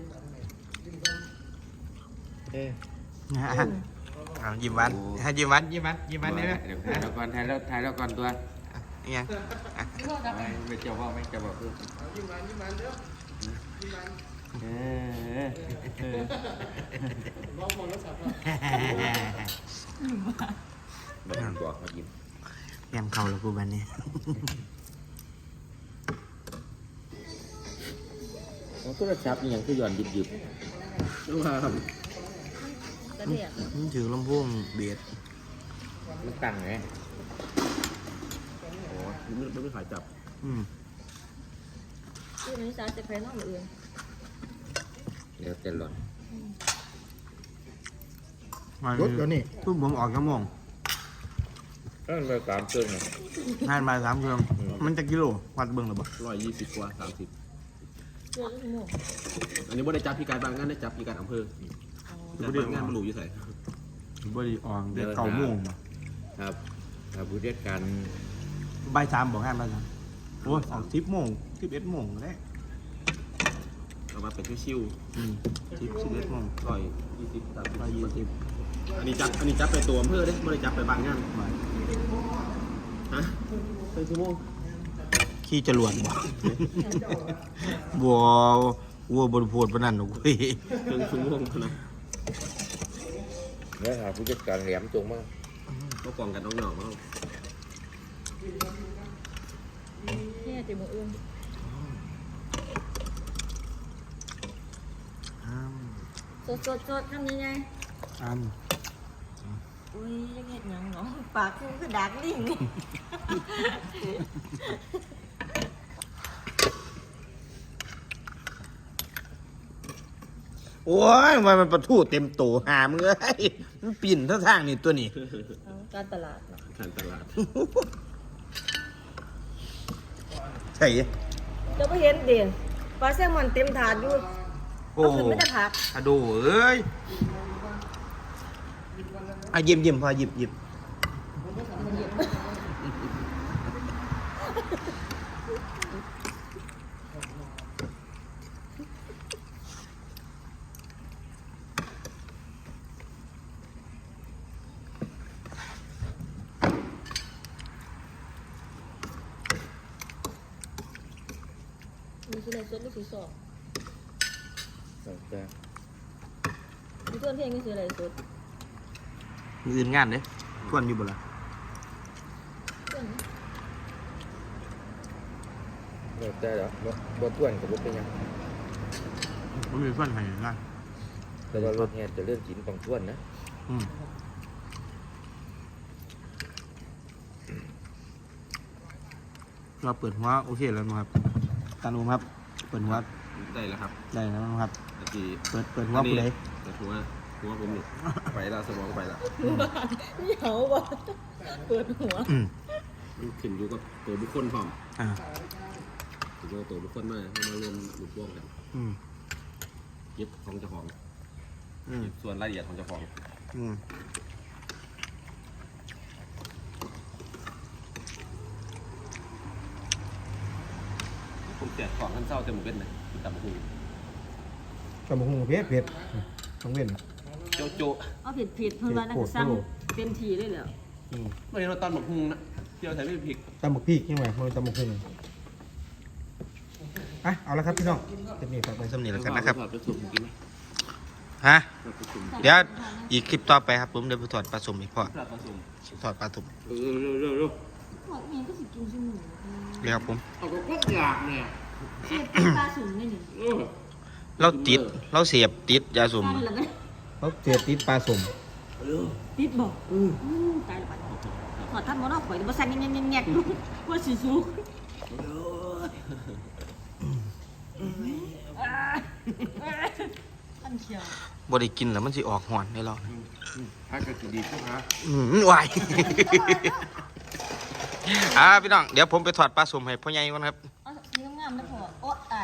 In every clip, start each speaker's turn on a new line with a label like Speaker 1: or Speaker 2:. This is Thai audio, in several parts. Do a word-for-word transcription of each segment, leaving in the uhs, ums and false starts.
Speaker 1: เออ
Speaker 2: เอายิ้มหวานให้ยิ้มหวานยิ้มหวานยิ้มหวานได้ไหม
Speaker 1: เดี๋ยวถ่ายแล้วก่อนถ่ายแล้วถ่ายแล้วก่อนตัว
Speaker 2: ยัง
Speaker 1: ไม่ไม่เจ้าว่าไม่เจ้าบอกคือยิ้มหวานยิ้มหวานเด้อเออเออร้องหมดแล้วสับแล้วมันบอกมายิ้ม
Speaker 2: แยมเข่าแล้วกูบันนี้
Speaker 1: โทรศัพท์นี่ยังคือหย่อนดิบดิบว่า
Speaker 2: มันถือลำโพงเบียด
Speaker 1: มันตั้งไงโอ้ไม่ไม่ไม่ขายจับ
Speaker 2: อืม
Speaker 3: คือในสายจะแพ้นอกอื่น
Speaker 1: เดี๋ยวเต็มหล่น
Speaker 2: รถตัวนี้ทุ่มผมออกชั่วโมง
Speaker 1: ก็ไปสามเครื่องไง
Speaker 2: งานมาสามเครื่องมันจะกิโลวัดเบิ้งหรือเปล่า
Speaker 1: ร้อยยี่สิบกว่าสามสิบ
Speaker 3: เกือบชั่วโมง
Speaker 1: อันนี้บ่ได้จับพี่การบางงานได้จับพี่การอำเภอแต่บางงานมันหลูอยู่ใส่
Speaker 2: บ่ได้ออกเดือนเก้าโมง
Speaker 1: ครับครับผู้เรียกการ
Speaker 2: บ่ายสามบอกงานบ่ายสามโอ้ยออกสิบโมงสิบเอ็ดโมงแล้ว
Speaker 1: เอามาเป็นชิว
Speaker 2: ๆสิบสิบเอ็ดโมง
Speaker 1: ร้อยยี่สิบสามสิบ
Speaker 2: ร้อยยี่สิบ
Speaker 1: อันนี้จับอันนี้จับไปตัวอำเภอได้ไม่ได้จับไปบางงานฮะเป็นชั่วโมง
Speaker 2: ขี้จรวดบ่บัววัวบนโพดปนั่นหนูเฮ้ย
Speaker 1: เป็นชั่วโมงนะเนี่ยครับผู้จัดการแหลมจงมากก็กองกันน้องหน่อมาก
Speaker 3: นี่ติมืออื่นสดสดสดทำยังไง
Speaker 2: อัน
Speaker 3: อุ้ยยังเห็นยังเนาะปากคือคือดักลิง
Speaker 2: โอ้ยมันมันประทูเต็มโตหามเลยมันปิ่นท่าทางนี่ตัวนี้
Speaker 3: การตลาด
Speaker 1: การตลาด
Speaker 2: ใช่
Speaker 3: จะไม่เห็นเด่นปลาแซลมอนเต็มถาดอยู่เอาขึ้นไม่ได้พัก
Speaker 2: อะดูเอ้ยอ่ะยิ้มยิ้มพอหยิบหยิบ
Speaker 3: มีคืออะไรสดหรือสีสด
Speaker 1: แต่
Speaker 3: มีเพื่อนเพียงนี่คืออะไรสด
Speaker 2: มีอื่นงานเด้ทวนอยู่บ่ล่ะ
Speaker 1: แต่เหรอบ่ทวนกับบ่เป็นยัง
Speaker 2: มันมีทวนให้งาน
Speaker 1: แต่ว่ารถแห่จะเลื่อนกินต้องทวนนะ
Speaker 2: อืมเราเปิดหัวโอเคแล้วนะครับตานุครับเปิดหัว
Speaker 1: ได้แล้วครับ
Speaker 2: ได้แล้วครับเปิดเปิดหัวผู้ใด
Speaker 1: เปิดหัวหัวผมนี่ไปละสมองไปละ
Speaker 3: เหนียวบ่เปิดหัว
Speaker 1: ขึ้นอยู่กับตัวบุคคลพร้อมขึ้นอยู่กับตัวบุคคลมาให้มารวมหลุดร่วมกันยึดของเจ้าของส่วนรายละเอียดของเจ้าของผมแจกของท่านเศร้าเต็มหมดเป็นเลยตำบักหุ่ง
Speaker 2: ตำบักหุ่งเผ็ดเผ็ดต้องเว้น
Speaker 1: โจโจ
Speaker 3: เอาเผ็ดเผ็ดเพิ่มแล้วนะซ้ำเต็มทีเลยเหรอ
Speaker 1: ไม่ใช่เราตำบักหุ่งนะเที่ยวใส่ไม่พริก
Speaker 2: ตำบักพริกยังไงมันตำบักหุ่งอ่ะเอาละครับพี่น้องเทปนี้ฝากไปสำเนียงแล้วกันนะครับฮะเดี๋ยวอีกคลิปต่อไปครับผมเดี๋ยวไปถอดปลาสุ่มอีกพอถอดปลาสุ่ม
Speaker 1: เร็วเร็วเร็วเร็ว
Speaker 2: เรียกผม
Speaker 1: เอาก็ก็อยากเนี่ย
Speaker 3: ปลาสุ่มนี่นี่
Speaker 2: เราติดเราเสียบติดยาสุ่มเราเสียบติดปลาสุ่ม
Speaker 3: ติดบอกอือตายแล้วถอดท่านมอนอกข่อยมาสั่นแง่แง่ๆลูกว่าสิสุก
Speaker 2: บ่ได้กินแล้วมันสิออกหอนได้หรอ
Speaker 1: ถ้าเกิดดีขึ้นฮะ
Speaker 2: อืมวายอ่าพี่น้องเดี๋ยวผมไปถอดปลาสุ่มให้พ่อใหญ่ก่อนครับ
Speaker 3: เอาสีงามๆนะพ่อโอ๊ตตาย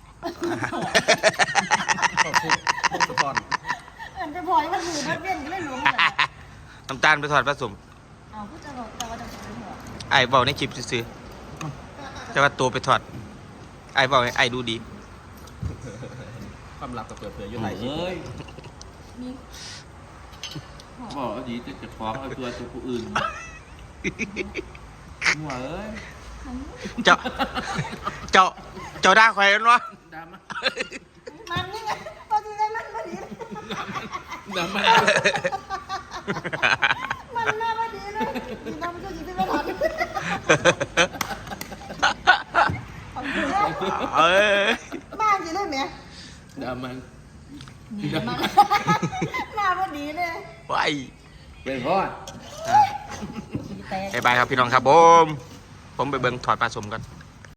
Speaker 1: ถอด
Speaker 3: เอ็นไปพอยมันหนูมันเบี้ยนไม่หลวม
Speaker 2: น้ำตาลไปถอดปลาสุ่ม
Speaker 3: เอาพูดจะบอกแต่ว่าจะเป็นหัว
Speaker 2: ไอ้บอกในคลิปซื้อแต่ว่าตัวไปถอดไอ้บอกไอ้ดูดี
Speaker 1: ความลับกับเปิดเผยอยู่ไหนเอ้ย
Speaker 3: มี
Speaker 1: บอกว่าดีจะจะฟ้องเอาตัวตัวผู้อื่นหัวเอ้ย
Speaker 2: เจ้าเจ้าเจ้าด่าใครกันวะ
Speaker 1: ดราม่า
Speaker 3: มันนี่ไงพอดีเลยมันพอดี
Speaker 1: ดราม่า
Speaker 3: มันน่าพอดีเลยกินน้ำก็ยิงไปไม่ทัน
Speaker 2: เอ้ย
Speaker 3: บ้านจีเลยไหม
Speaker 1: ดราม่า
Speaker 3: มันน่าพอดีเลย
Speaker 2: ไป
Speaker 1: เป็นเพราะ
Speaker 2: บ๊ายบายครับพี่น้องครับผมผมไปเบิ่งถอดปลาสมกัน